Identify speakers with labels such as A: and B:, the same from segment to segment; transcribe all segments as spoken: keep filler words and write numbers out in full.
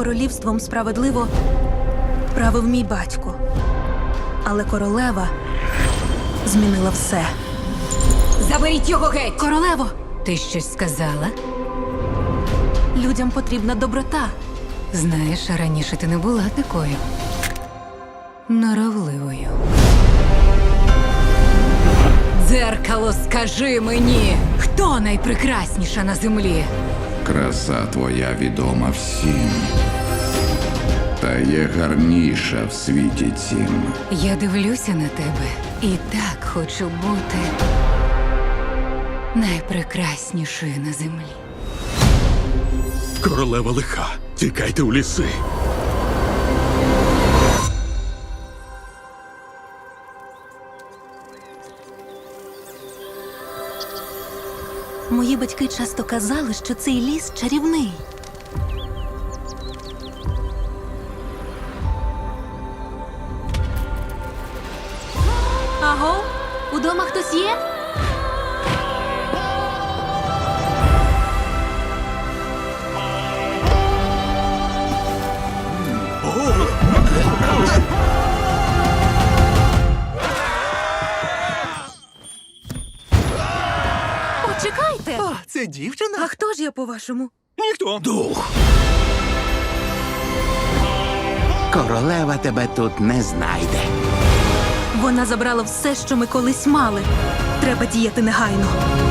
A: королівством справедливо правив мій батько. Але королева змінила все.
B: Заберіть його геть!
A: Королево,
B: Ти щось сказала?
A: людям потрібна доброта.
B: Знаєш, раніше ти не була такою норовливою. Дзеркало, скажи мені, хто найпрекрасніша на землі?
C: Краса твоя відома всім, та є гарніша в світі цім.
B: Я дивлюся на тебе і так хочу бути найпрекраснішою на землі.
D: Королева лиха. Тікайте у ліси.
A: Мої батьки часто казали, що цей ліс чарівний. Аго, удома хтось є? Почекайте!
E: А, це дівчина?
A: А хто ж я, по-вашому?
E: Ніхто.
D: Дух.
E: Королева тебе тут не знайде.
A: Вона забрала все, що ми колись мали. Треба діяти негайно.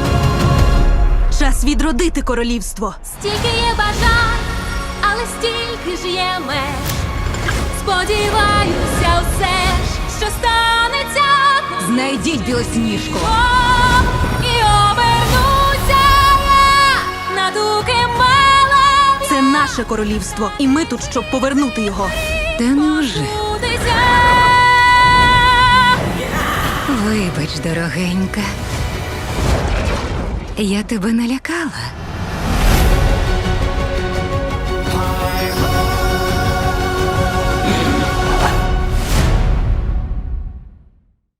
A: Час відродити королівство.
F: Стільки є бажань, але стільки ж є меж. Сподіваюся, все ж, що станеться.
B: Знайдіть білосніжку!
F: О, і обернуся я на дуки мелові.
A: Це наше королівство, і ми тут, щоб повернути його.
B: Та невже?
F: Будеться.
B: Вибач, дорогенька. Я тебе налякала.